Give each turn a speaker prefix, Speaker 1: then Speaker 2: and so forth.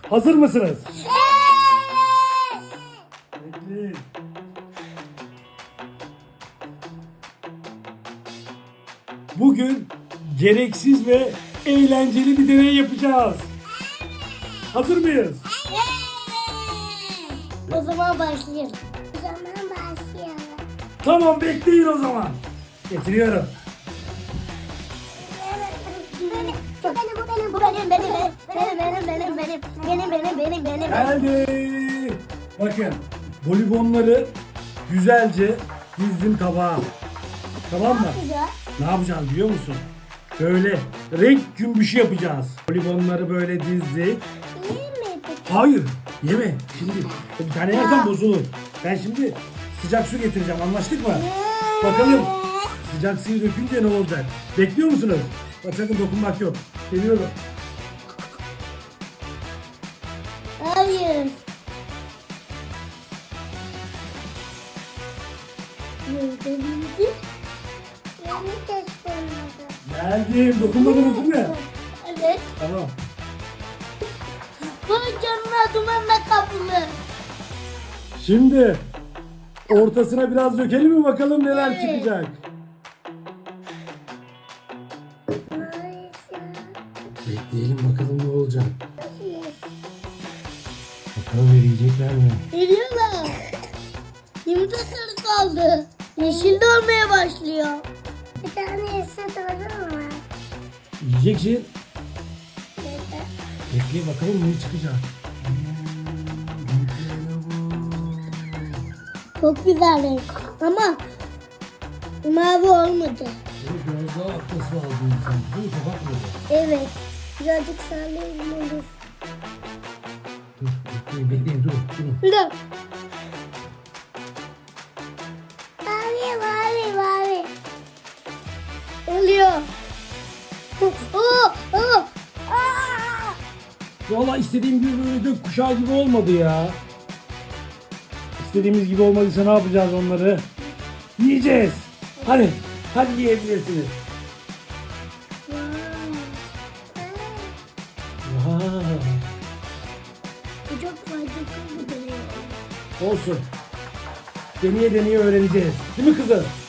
Speaker 1: Hazır mısınız? Bekleyin. Bugün gereksiz ve eğlenceli bir deney yapacağız. Hazır mıyız?
Speaker 2: O zaman başlayalım. O zaman başlayalım.
Speaker 1: Tamam, bekleyin o zaman. Getiriyorum.
Speaker 2: Bu benim.
Speaker 1: Geldi. Bakın, poligonları güzelce dizdim tabağa. Tamam mı? Ne yapacağız biliyor musun? Böyle renk cümbüşü yapacağız. Poligonları böyle dizdik.
Speaker 2: İyi mi peki?
Speaker 1: Hayır, yeme. Şimdi bir tane yersen bozulur. Ben şimdi sıcak su getireceğim. Anlaştık mı? Bakalım sıcak suyu dökünce ne olacak? Bekliyor musunuz? Bak, sakın dokunmak yok. Geliyorum.
Speaker 2: Hayır.
Speaker 1: Geldim. Dokunmadınız değil mi?
Speaker 2: Evet.
Speaker 1: Tamam.
Speaker 2: Bu canına dumanla kaplı.
Speaker 1: Şimdi ortasına biraz dökelim mi bakalım neler
Speaker 2: Evet.
Speaker 1: çıkacak. Bekleyelim bakalım ne olacak. Bakalım verecekler mi?
Speaker 2: Geliyorlar. Şimdi sarı kaldı. Yeşil de olmaya başlıyor. Bir tane yeşil olur mu?
Speaker 1: Yiyeceksin. Bekle bakalım ne çıkacak.
Speaker 2: Çok güzel renk. Ama mavi olmadı.
Speaker 1: Biraz daha atması lazım insan. Değil mi? Kabak mı?
Speaker 2: Evet. Birazcık sallayayım olur.
Speaker 1: Dur bekleyin dur.
Speaker 2: Dur. Mavi. Oluyor.
Speaker 1: Valla istediğim gibi böyle gökkuşağı gibi olmadı ya. İstediğimiz gibi olmadıysa ne yapacağız onları? Yiyeceğiz. Hadi yiyebilirsiniz. Vay.
Speaker 2: Bu çok faydalı bir deney.
Speaker 1: Olsun. Deneye öğreneceğiz. Değil mi kızım?